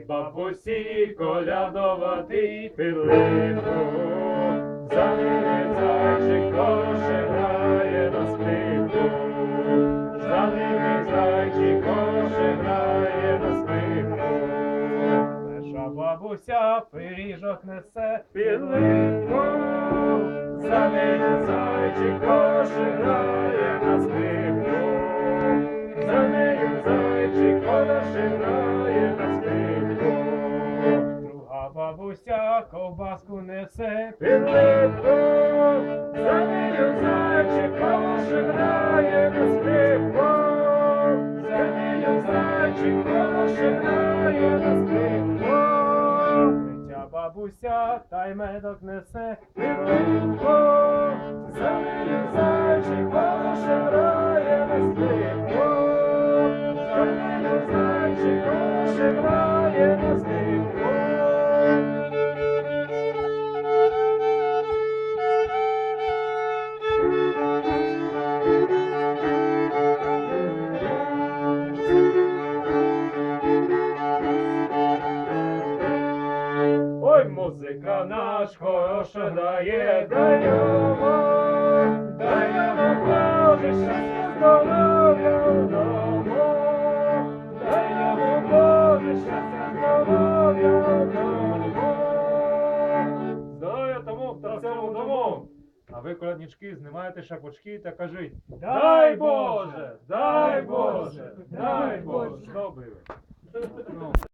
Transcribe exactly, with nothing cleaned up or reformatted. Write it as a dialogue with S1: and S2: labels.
S1: бабусі колядувати під липу. За ними зайчик хороше грає на скрипку. За ними зайчик хороше грає на скрипку. Перша бабуся пиріжок несе під липу. За ними зайчик хороше грає на скрипку. За нею зайчик хороше грає на скрипку. Друга бабуся ковбаску несе під липку. За нею зайчик хороше грає на скрипку. За нею зайчик хороше грає на скрипку. Третя бабуся та й медок несе під липку. За нею зайчик хороше грає на скрипку. За нею зайчик хороше грає на скрипку. Ой, музика наш хороша грає, дай йому, дай йому Боже щастя, здоров'я вдома. Дай йому Боже щастя, здоров'я вдома. Здоров'я тому, хто в цьому дому. А ви, коляднички, знімаєте шапочки та кажіть: дай Боже, дай Боже, дай Боже. Добре.